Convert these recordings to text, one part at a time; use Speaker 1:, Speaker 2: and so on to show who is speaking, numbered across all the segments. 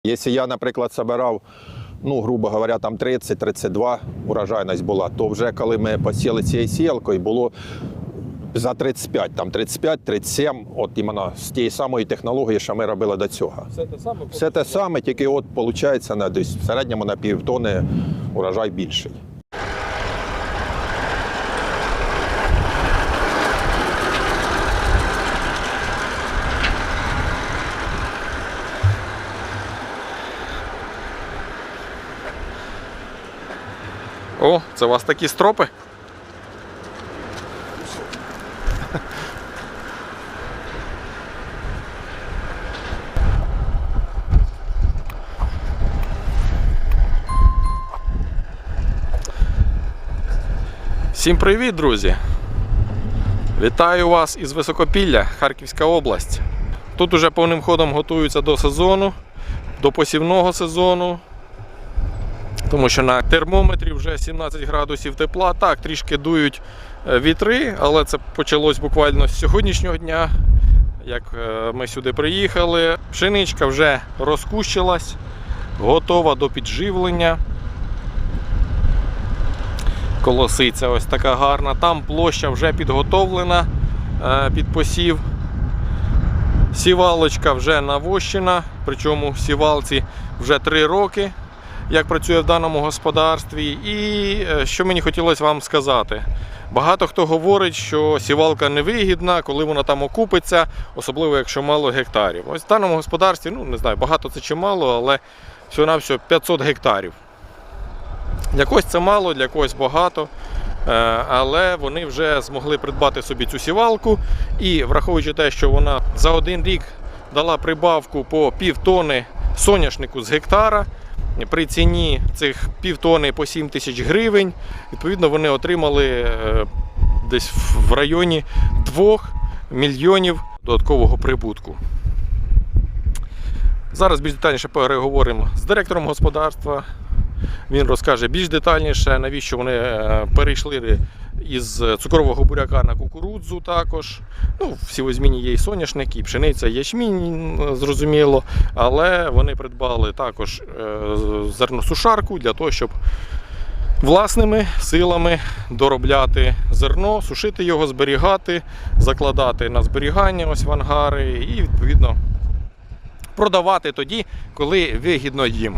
Speaker 1: Якщо я, наприклад, збирав, грубо говоря, там 30-32 урожайність була, то вже коли ми посіяли цією сіялкою, було за 35, там 35-37, от іменно з тієї самої технології, що ми робили до цього.
Speaker 2: Все те саме?
Speaker 1: Все те саме, тільки от виходить десь в середньому на півтони урожай більший.
Speaker 2: О, це у вас такі стропи? Всім привіт, друзі! Вітаю вас із Високопілля, Харківська область. Тут уже повним ходом готуються до сезону, до посівного сезону. Тому що на термометрі вже 17 градусів тепла. Так, трішки дують вітри, але це почалось буквально з сьогоднішнього дня, як ми сюди приїхали. Пшеничка вже розкущилась, готова до підживлення. Колосиця ось така гарна. Там площа вже підготовлена під посів. Сівалочка вже навощена, причому сівалці вже 3 роки, як працює в даному господарстві. І що мені хотілося вам сказати. Багато хто говорить, що сівалка невигідна, коли вона там окупиться, особливо якщо мало гектарів. Ось в даному господарстві, не знаю, багато це чи мало, але всього-навсього 500 гектарів. Для когось це мало, для когось багато, але вони вже змогли придбати собі цю сівалку. І враховуючи те, що вона за 1 рік дала прибавку по півтони соняшнику з гектара, при ціні цих півтони по 7 тисяч гривень, відповідно, вони отримали десь в районі 2 мільйонів додаткового прибутку. Зараз більш детальніше переговоримо з директором господарства. Він розкаже більш детальніше, навіщо вони перейшли із цукрового буряка на кукурудзу також. В сівозміні є і соняшник, і пшениця, і ячмінь, зрозуміло. Але вони придбали також зерносушарку для того, щоб власними силами доробляти зерно, сушити його, зберігати, закладати на зберігання ось в ангари і, відповідно, продавати тоді, коли вигідно їм.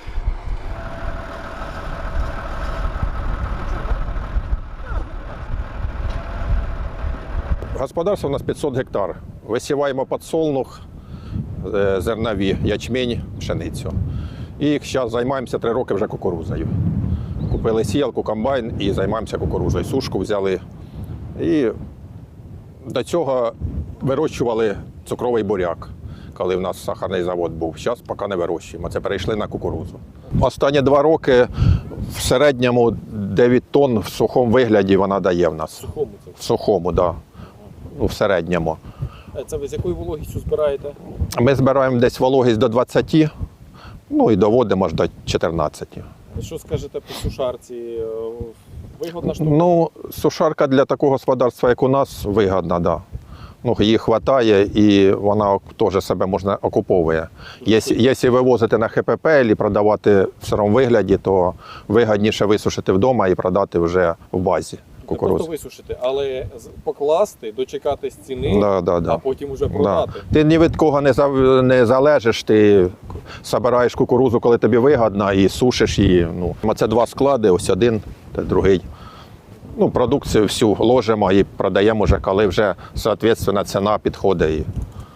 Speaker 1: Господарство у нас 500 гектар. Висіваємо підсолнух, зернові, ячмінь, пшеницю. І зараз займаємося 3 роки вже кукурудзою. Купили сіялку, комбайн і займаємося кукурудзою. Сушку взяли. І до цього вирощували цукровий буряк, коли в нас сахарний завод був. Зараз поки не вирощуємо. Це перейшли на кукурудзу. Останні 2 роки в середньому 9 тонн в сухому вигляді вона дає в нас. В сухому, так. В середньому.
Speaker 2: Це ви з якою вологістю збираєте?
Speaker 1: Ми збираємо десь вологість до 20, і доводимо аж до 14.
Speaker 2: Що скажете по сушарці? Вигодна штука?
Speaker 1: Сушарка для такого господарства, як у нас, вигодна, так. Да. Її вистачає і вона теж себе можна окуповує. Якщо вивозити на ХПП або продавати в сирому вигляді, то вигідніше висушити вдома і продати вже в базі.
Speaker 2: Не просто висушити, але покласти, дочекатись ціни, а потім вже продати.
Speaker 1: Ти ні від кого не залежиш, ти збираєш кукурудзу, коли тобі вигідно, і сушиш її. Це 2 склади, ось один, другий. Продукцію всю ложимо і продаємо вже, коли вже, відповідно, ціна підходить. І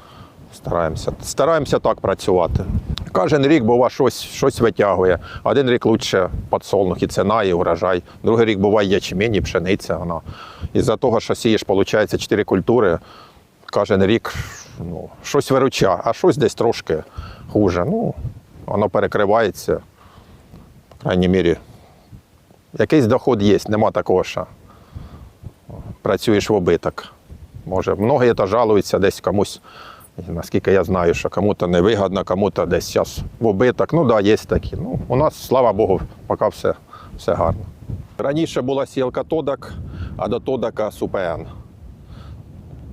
Speaker 1: стараємося так працювати. Кожен рік, буває, щось витягує. 1 рік краще підсолнух, і ціна, і урожай. Другий рік буває ячмінь, і пшениця. Із-за того, що сієш, виходить, 4 культури, кожен рік щось виручає, а щось десь трошки хуже. Воно перекривається, по крайній мірі. Якийсь доход є, нема такого, що працюєш в убиток. Може, многі жалуються десь комусь. Наскільки я знаю, що кому-то невигідно, кому-то десь зараз в убиток. Є такі. У нас, слава Богу, поки все гарно. Раніше була сіялка Тодак, а до Тодака СУПН.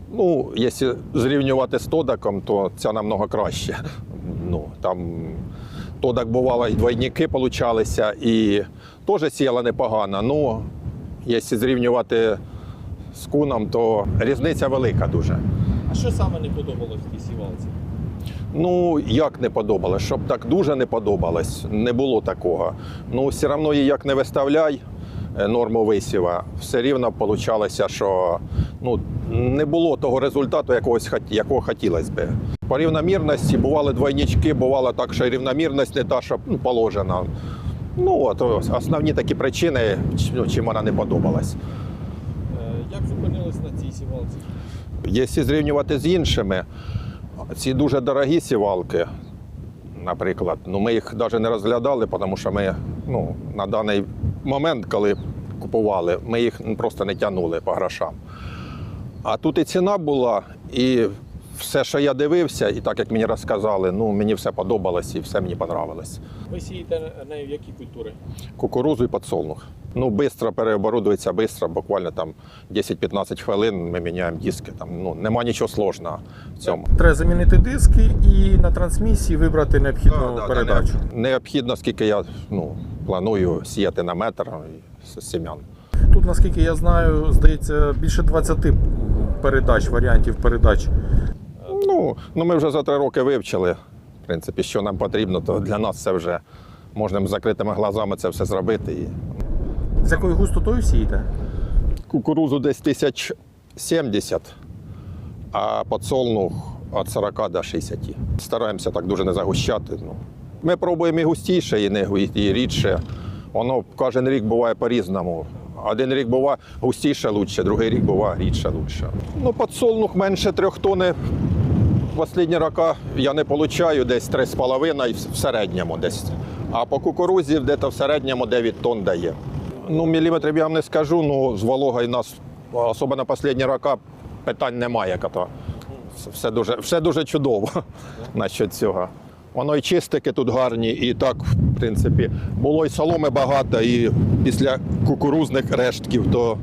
Speaker 1: Якщо зрівнювати з Тодаком, то ця намного краще. Там То так бувало, і двойники получалися, і теж сіяла непогано. Ну, якщо зрівнювати з куном, то різниця велика дуже.
Speaker 2: А що саме не подобалось в тій сівалці?
Speaker 1: Ну, як не подобалось, щоб так дуже не подобалось, не було такого. Ну, все одно її як не виставляй норму висіва, все рівно вийшло, що ну, не було того результату, якого хотілося б. По рівномірності бували двойнички, бувало так, що рівномірність не та, що положена. Ну, от основні такі причини, чим вона не подобалась.
Speaker 2: Як зупинились на цій сівалці?
Speaker 1: Якщо зрівнювати з іншими, ці дуже дорогі сівалки, наприклад, ну, ми їх навіть не розглядали, тому що ми на даний момент, коли купували, ми їх просто не тягнули по грошам. А тут і ціна була, і все, що я дивився, і так, як мені розказали, ну, мені все подобалось і все мені подобалось.
Speaker 2: Ви сієте нею які культури?
Speaker 1: Кукурузу і підсолнух. Ну, швидко переоборудується, швидко, буквально там 10-15 хвилин ми міняємо диски. Там, ну, нема нічого складного в цьому.
Speaker 2: Треба замінити диски і на трансмісії вибрати необхідну передачу.
Speaker 1: Необхідно, скільки я планую сіяти на метр з сім'ян.
Speaker 2: Тут, наскільки я знаю, здається, більше 20 передач, варіантів передач.
Speaker 1: Ну, ми вже за 3 роки вивчили, в принципі, що нам потрібно, то для нас це вже можна з закритими глазами це все зробити.
Speaker 2: З якою густотою сієте?
Speaker 1: Кукурузу десь 1070, а підсолнух від 40 до 60. Стараємося так дуже не загущати. Ну. Ми пробуємо і густіше, і рідше. Воно кожен рік буває по-різному. Один рік буває густіше лучше, другий рік буває рідше лучше. Ну, підсолнух менше 3 тонн. В останні роки я не отримую десь 3,5 в середньому десь. А по кукурузі десь в середньому 9 тонн дає. Ну, міліметрів я вам не скажу, ну, з вологою нас, особливо на останні роки, питань немає. Все дуже чудово насчет цього. Воно і чистики тут гарні, і так, в принципі, було і соломи багато, і після кукурузних рештків, то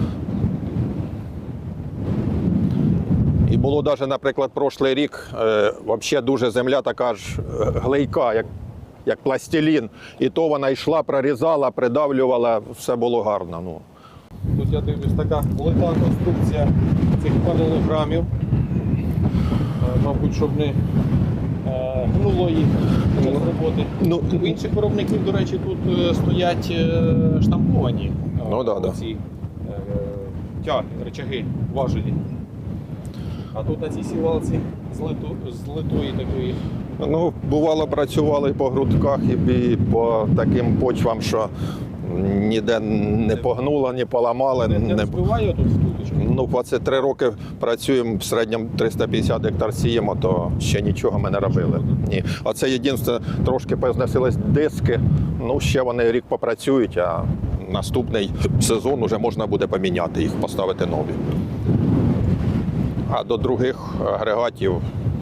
Speaker 1: і було навіть, наприклад, прошлий рік, взагалі дуже земля така ж глейка, як пластилін. І то вона йшла, прорізала, придавлювала, все було гарно. Ну.
Speaker 2: Тут я дивлюсь, така велика конструкція цих паралограмів. Мабуть, щоб не гнуло їх з роботи. У інших виробників, до речі, тут стоять штамповані ці тяги, речаги, важелі. А тут на цій сівалці з литої такої.
Speaker 1: Ну, бувало, працювали і по грудках, і по таким почвам, що ніде не погнуло, не поламало.
Speaker 2: Не розбиває тут втуточки?
Speaker 1: Ну, 23 роки працюємо, в середньому 350 гектар сіємо, то ще нічого ми не робили. Ні. А це єдине, трошки позносились диски, ну, ще вони рік попрацюють, а наступний сезон вже можна буде поміняти їх, поставити нові. А до других агрегатів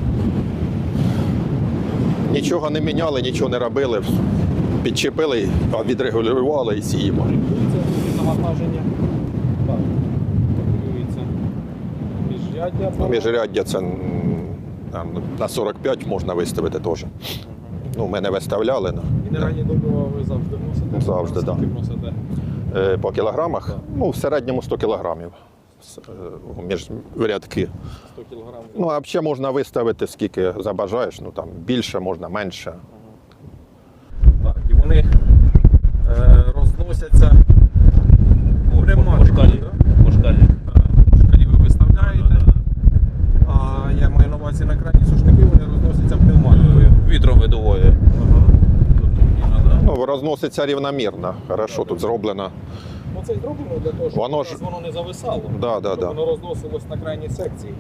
Speaker 1: нічого не міняли, нічого не робили. Підчепили, відрегулювали і сіємо.
Speaker 2: Регулюється навантаження. Так. Регулюється міжряддя.
Speaker 1: Міжряддя це на 45 можна виставити теж. Ну, ми не виставляли.
Speaker 2: Мінеральні добрива ви завжди вносите?
Speaker 1: Завжди, так.
Speaker 2: Скільки вносите?
Speaker 1: По кілограмах?
Speaker 2: Так.
Speaker 1: Ну, в середньому 100 кілограмів. Між рядки.
Speaker 2: 100 кілограмів.
Speaker 1: Ну, а взагалі можна виставити, скільки забажаєш. Ну, там більше, можна менше.
Speaker 2: Так, і вони розносяться
Speaker 3: По шкалі. По шкалі.
Speaker 2: Шкалі ви виставляєте, а я маю на увазі на крайні сушники, вони розносяться пневматикою.
Speaker 3: Вітром видовує.
Speaker 1: Ну, розноситься рівномірно. Хорошо тут зроблено.
Speaker 2: Ну, це й зроблено для того, щоб
Speaker 1: Воно
Speaker 2: воно не зависало,
Speaker 1: Да.
Speaker 2: щоб воно розносилось на крайній секції.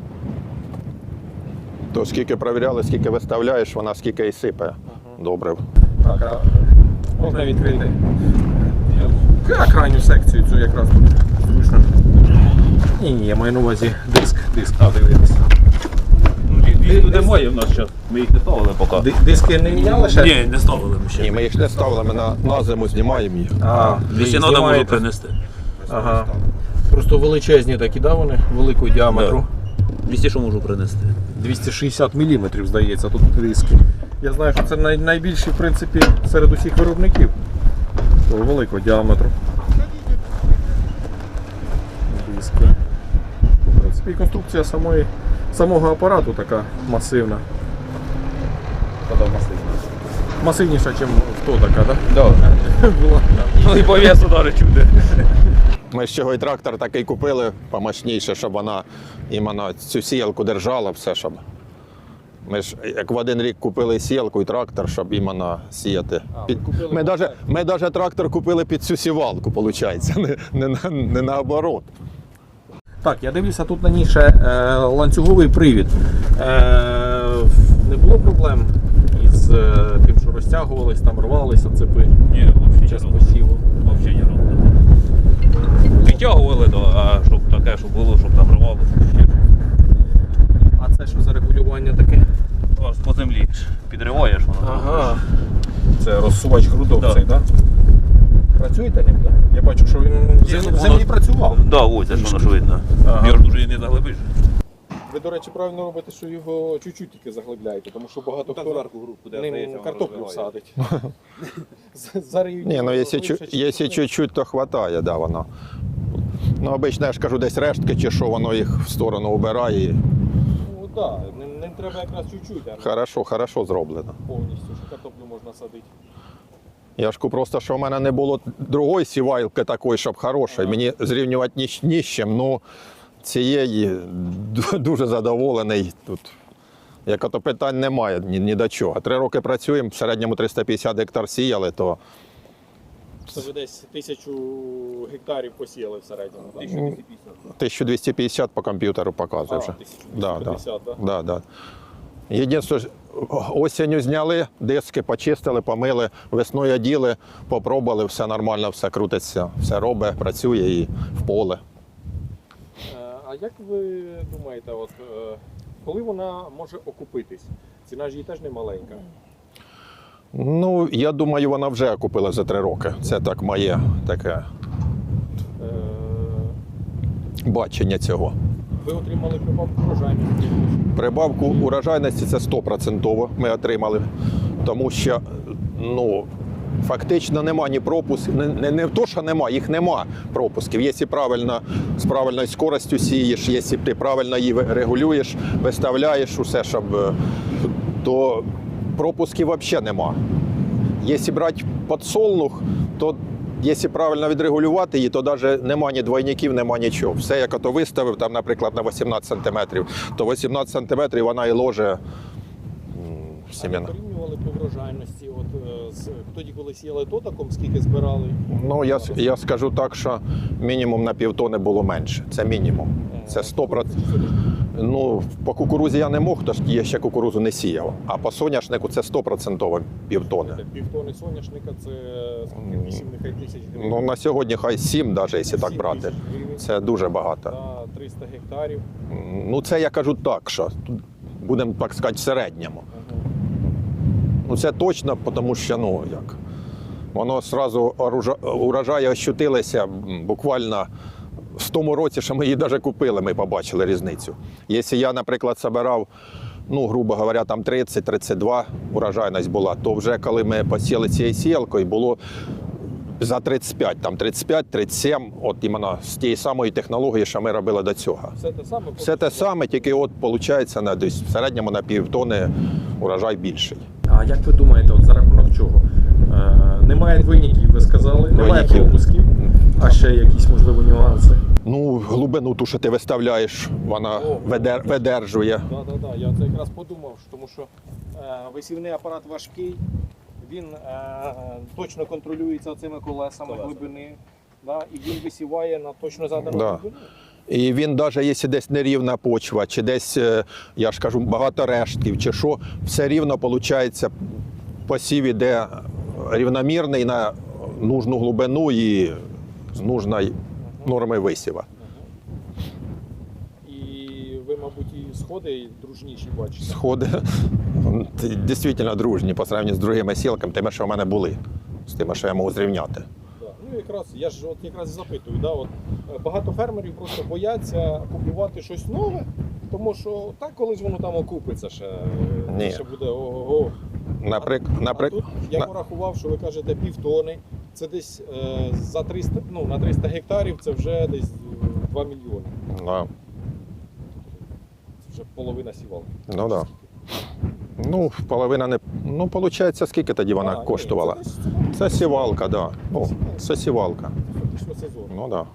Speaker 1: То скільки перевіряли, скільки виставляєш, вона скільки і сипе. Добре.
Speaker 2: Так, а можна відкрити крайню секцію, цю якраз тут зручно. Ні, я маю на увазі диск, дивитися.
Speaker 3: Тут немає в нас ще. Ми їх не ставили поки.
Speaker 2: Диски не міняли ще?
Speaker 3: Ні, не ставили ми ще.
Speaker 1: Ні, ми їх не ставили, ми на зиму знімаємо їх.
Speaker 3: Якщо треба, можу принести.
Speaker 2: Ага. Просто величезні такі, да, вони? Великого діаметру.
Speaker 3: 200 що можу принести.
Speaker 2: 260 мм, здається, тут диски. Я знаю, що це найбільший, в принципі, серед усіх виробників великого діаметру. Диски. В принципі, і конструкція самого апарату така масивна. Масивніша, ніж в то така, так?
Speaker 3: Да.
Speaker 2: Була.
Speaker 3: Ну і по весу навіть чуде.
Speaker 1: Ми з чого і трактор такий купили помощніше, щоб вона іменно цю сіялку держала, все, щоб. Ми ж як в один рік купили сіялку і трактор, щоб іменно сіяти. Ми навіть трактор купили під цю сівалку, виходить, не наоборот.
Speaker 2: Так, я дивлюся, тут на ній ще ланцюговий привід. Не було проблем із тим, що розтягувались, там рвалися цепи
Speaker 3: Ні,
Speaker 2: під час посіву.
Speaker 3: Взагалі не робили. Витягували, а щоб таке, щоб було, щоб там рвало.
Speaker 2: А це що за регулювання таке?
Speaker 3: Ось по землі підриваєш, воно.
Speaker 2: Ага. Це розсувач грудок
Speaker 3: Да.
Speaker 2: цей, так? Працюєте ним, так? Я бачу, що він в землі працював.
Speaker 3: Да, ось, аж воно ж видно.
Speaker 2: Ага.
Speaker 3: Його ж дуже і не заглибиш.
Speaker 2: Ви, до речі, правильно робите, що його чуть-чуть тільки заглибляєте, тому що багато хто
Speaker 3: групу,
Speaker 2: ним картоплю садить. Зараз її
Speaker 1: Ні, ну якщо
Speaker 2: глибше,
Speaker 1: чуть-чуть, то вистачає, да, воно. Ну, обично, я ж кажу, десь рештки чи що, воно їх в сторону убирає. І
Speaker 2: Ну так, ним треба якраз чуть-чуть, а
Speaker 1: хорошо зроблено.
Speaker 2: повністю, що картоплю можна садити.
Speaker 1: Я ж просто, що в мене не було другої сівалки такої, щоб хорошої. Мені зрівнювати ні з чим. Ну, цієї дуже задоволений тут. Як ото питань немає ні до чого. 3 роки працюємо, в середньому 350 гектар сіяли, то
Speaker 2: Це ви десь 1000 гектарів посіяли в середньому, так?
Speaker 1: 1250 по комп'ютеру показує вже.
Speaker 2: 1250, так?
Speaker 1: Да. Єдине, осінню зняли, диски почистили, помили, весною оділи, попробували, все нормально, все крутиться, все робить, працює і в поле.
Speaker 2: А як ви думаєте, от, коли вона може окупитись? Ціна ж її теж не маленька.
Speaker 1: Ну, я думаю, вона вже купила за 3 роки. Це так моє таке
Speaker 2: Е,
Speaker 1: бачення цього.
Speaker 2: Ви отримали прибавку врожайності.
Speaker 1: Прибавку урожайності це 100% ми отримали, тому що ну, фактично нема ні пропусків, не то, що нема, їх нема пропусків. Якщо правильно, з правильною скоростю сієш, якщо ти правильно її регулюєш, виставляєш усе, щоб, то пропусків взагалі нема. Якщо брати підсолнух, то якщо правильно відрегулювати її, то навіть нема ні двойників, нема нічого. Все, як ото виставив, там, наприклад, на 18 см, то 18 см вона і ложе сім'яна.
Speaker 2: Порівнювали по врожайності, от, тоді, коли сіяли тотаком, скільки збирали?
Speaker 1: Ну, я скажу так, що мінімум на півтони було менше. Це мінімум. Це 100%. Ну, по кукурузі я не мог, тож я ще кукурузу не сіяв. А по соняшнику це 100% півтони.
Speaker 2: Півтони соняшника це скільки? 8 нехай тисяч гривень.
Speaker 1: Ну, на сьогодні хай 7, навіть, якщо так
Speaker 2: 7
Speaker 1: брати.
Speaker 2: тисяч гривень
Speaker 1: Це дуже багато.
Speaker 2: на 300 гектарів.
Speaker 1: Ну, це я кажу так, що будемо, так сказати, в середньому. Ну, це точно, тому що, ну, як, воно одразу урожаї ощутилися буквально в тому році, що ми її навіть купили, ми побачили різницю. Якщо я, наприклад, збирав, ну, грубо говоря, там 30-32 урожайність була, то вже коли ми посіяли цією сіялкою, було за 35, там 35-37, от іменно з тієї самої технології, що ми робили до цього.
Speaker 2: Все те саме?
Speaker 1: Все те саме, тільки от виходить на десь в середньому на півтони урожай більший.
Speaker 2: А як ви думаєте, от за рахунок чого? Немає двойників, ви сказали, немає
Speaker 1: Двойників.
Speaker 2: пропусків, а ще якісь, можливо, нюанси?
Speaker 1: Ну, глибину ту, що ти виставляєш, вона видержує.
Speaker 2: Так, я це якраз подумав, тому що висівний апарат важкий, він точно контролюється цими колесами глибини, да, і він висіває на точно задану
Speaker 1: Да.
Speaker 2: глибину.
Speaker 1: І він, навіть якщо десь нерівна почва, чи десь, я ж кажу, багато рештків, чи що, все рівно виходить, посів іде рівномірний на нужну глибину і з нужної норми висіва.
Speaker 2: І ви, мабуть, і сходи дружніші бачите.
Speaker 1: Сходи дійсно дружні по сравненню з другими сілками, тими, що в мене були, з тими, що я можу зрівняти.
Speaker 2: Да. Ну, якраз, я ж от якраз і запитую, да, от, багато фермерів просто бояться купувати щось нове, тому що так колись воно там окупиться ще,
Speaker 1: Ні.
Speaker 2: ще буде ого-го. А тут я порахував, що ви кажете півтони. Це десь за 300, на 300 гектарів це вже десь 2 мільйони.
Speaker 1: Да.
Speaker 2: Це вже половина сівалки.
Speaker 1: Ну да. Ну, половина не. Ну, виходить, скільки тоді вона коштувала? Це сівалка, да. Ну, це сівалка.
Speaker 2: Фактично сезон.
Speaker 1: Ну да.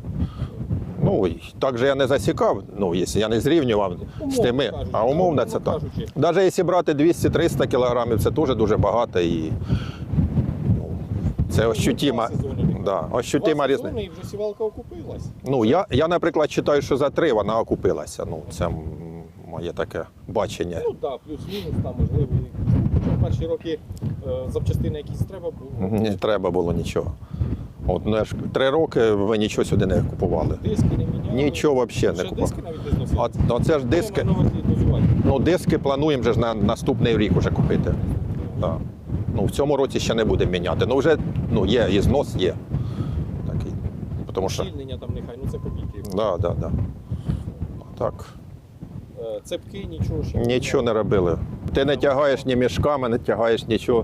Speaker 1: Ну, і так же я не засікав, ну, якщо я не зрівнював з тими,
Speaker 2: кажучи,
Speaker 1: а умовно це так. Навіть якщо брати 200-300 кілограмів, це теж дуже багато і ну, це ощутима, да, ощутима різниця.
Speaker 2: І вже сівалка окупилась.
Speaker 1: Ну, я, наприклад, вважаю, що за 3 вона окупилася. Ну, це моє таке бачення.
Speaker 2: Ну так, плюс-мінус, там можливо. Хоча перші роки запчастини якісь треба було.
Speaker 1: Не треба було нічого. От, ну, 3 роки ви нічого сюди не купували.
Speaker 2: Диски не міняли.
Speaker 1: Нічого взагалі не
Speaker 2: Ще
Speaker 1: купували.
Speaker 2: диски навіть не зносили.
Speaker 1: Ну, це ж диски. Ну, диски плануємо вже ж на наступний рік вже купити. Да. Ну, в цьому році ще не будемо міняти. Ну, вже є, і знос є. Такий. Тому що...
Speaker 2: Щільнення там нехай, це копійки.
Speaker 1: Да. Так.
Speaker 2: Цепки, нічого ще.
Speaker 1: Нічого не робили. Ти не тягаєш ні мішками, не тягаєш нічого.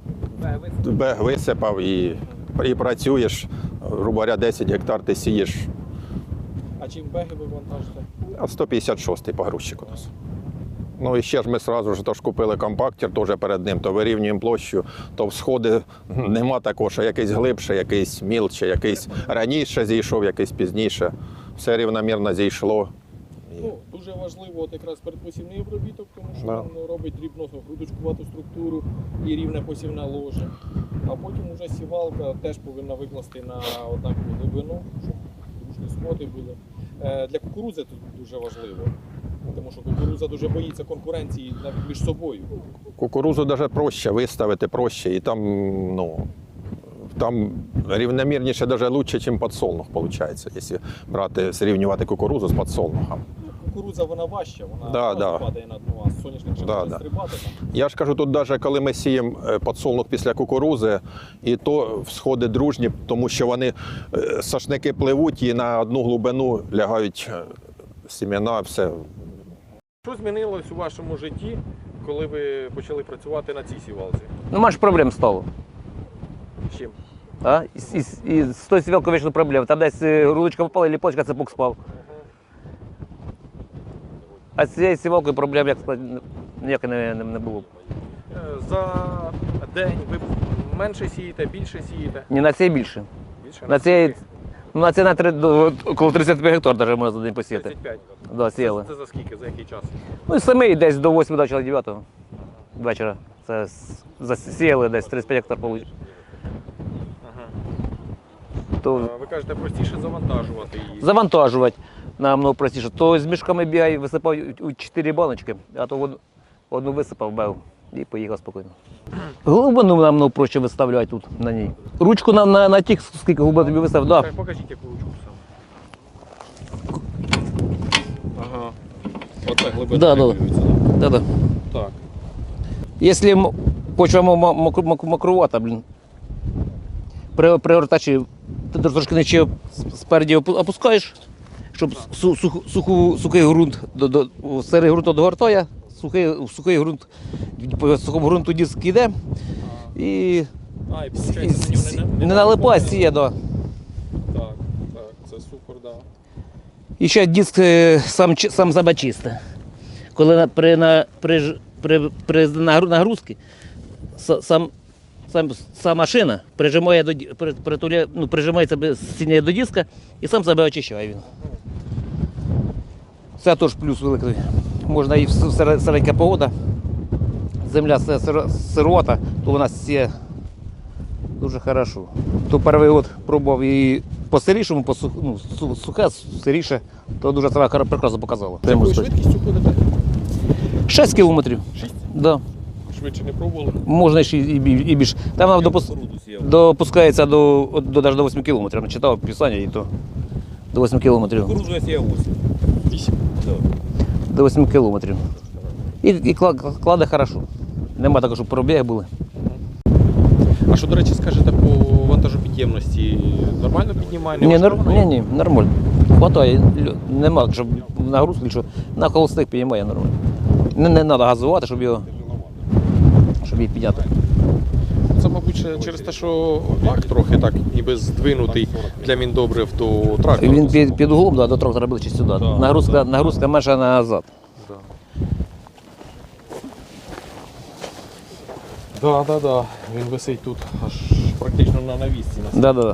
Speaker 1: Бег висипав і працюєш. Грубо говоря, 10 гектар ти сієш.
Speaker 2: А чим беги ви вантажите?
Speaker 1: А 156-й погрузчик у нас. Ну і ще ж ми одразу ж тож купили компактер теж перед ним, то вирівнюємо площу, то всходи нема такого, що якийсь глибше, якийсь мілче, якийсь раніше зійшов, якийсь пізніше. Все рівномірно зійшло.
Speaker 2: Ну, дуже важливо от якраз передпосівний обробіток, тому що
Speaker 1: Да.
Speaker 2: він робить дрібну грудочкувату структуру і рівне посівне ложе. А потім вже сівалка теж повинна викласти на однакову глибину, щоб дружні сходи були. Для кукурудзи тут дуже важливо, тому що кукурудза дуже боїться конкуренції навіть між собою.
Speaker 1: Кукурузу навіть проще виставити, проще, і там, там рівномірніше, навіть краще, ніж підсолнух, виходить, якщо брати, зрівнювати кукурузу з підсолнухом.
Speaker 2: Кукурудза вона важча, вона
Speaker 1: Да.
Speaker 2: падає на дно, а соняшник ще може стрибати там.
Speaker 1: Я ж кажу, тут навіть коли ми сіємо підсолнух після кукурузи, і то всходи дружні, тому що вони сошники пливуть і на одну глибину лягають сімена, все.
Speaker 2: Що змінилось у вашому житті, коли ви почали працювати на цій сівалці?
Speaker 4: Ну, менше проблем стало.
Speaker 2: З чим?
Speaker 4: А? І з тої сівалки вийшли проблеми. Там десь грудочка попала, і ліпочка цепок спав. А з цією сівалкою проблем, як сказати, ніякої не було.
Speaker 2: За день ви менше сієте, більше сієте?
Speaker 4: Ні, на цій більше.
Speaker 2: Більше?
Speaker 4: На цій, на цій коло 35 гектар навіть можна за день посіяти.
Speaker 2: 35.
Speaker 4: Да, сіяли.
Speaker 2: Це за скільки, за який час?
Speaker 4: Ну і самі десь до 8 до 9 вечора. Це засіяли десь 35 гектар получили. То
Speaker 2: Ви кажете, простіше завантажувати її.
Speaker 4: завантажувати намного простіше. То з мішками бігай, висипав у 4 баночки, а то одну висипав, бев і поїхав спокійно. Глибину намного проще виставляти тут на ній. Ручку на тих, скільки глибин тобі виставив, да.
Speaker 2: Покажіть, яку ручку саме. Ага. Оце глибина
Speaker 4: Да.
Speaker 2: регулюється,
Speaker 4: Да.
Speaker 2: Так.
Speaker 4: Якщо почва макрувата, при ортачі ти трошки нижче спереді опускаєш, щоб сухий ґрунт, сирий ґрунт догортає, сухий ґрунт, по сухому ґрунту диск йде і
Speaker 2: І виходить,
Speaker 4: не налипає, сіє, да.
Speaker 2: Так, це супер, да.
Speaker 4: І ще диск сам себе чисте. Коли при нагрузці сама машина прижимається сильніше до диска і сам себе очищає він. Це теж плюс великий. Можна і середня погода, земля сирота, то вона сіє дуже хорошо. То перший год пробував і по сирішому, сухе, сиріше, то дуже себе прекрасно показало.
Speaker 2: З якою швидкістю ходите?
Speaker 4: 6 кілометрів.
Speaker 2: 6?
Speaker 4: Да.
Speaker 2: Швидше не пробували?
Speaker 4: Можна ще і більше. Там вона допускається до 8 кілометрів. Читав писання і то до 8 кілометрів.
Speaker 3: Кукурузу я сіяв 8.
Speaker 4: До 8 кілометрів. І кладе хорошо. Нема такого, щоб пробіги були.
Speaker 2: А що, до речі, скажете по вантажопідємності? Нормально піднімає?
Speaker 4: Ні, нормально. Хватає. Нема, щоб нагрузки, що на холостих піднімає нормально. Не треба газувати, щоб її підняти.
Speaker 2: Це, мабуть, ще через те, що бак трохи так ніби здвинутий для міндобрив до трактора.
Speaker 4: Він під углом до трактора ближче сюди. Нагрузка менша назад.
Speaker 2: Да. Він висить тут аж практично на навісці.
Speaker 4: Да.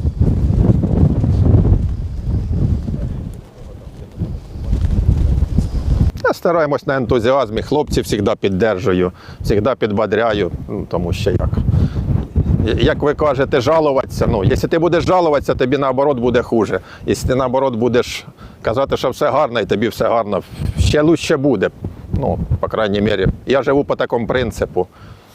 Speaker 1: Я стараємось на ентузіазмі, хлопців завжди піддержую, завжди підбадряю, тому що як ви кажете, жалуватися, якщо ти будеш жалуватися, тобі наоборот буде хуже. Якщо ти наоборот будеш казати, що все гарно, і тобі все гарно, ще краще буде. По крайній мірі, я живу по такому принципу.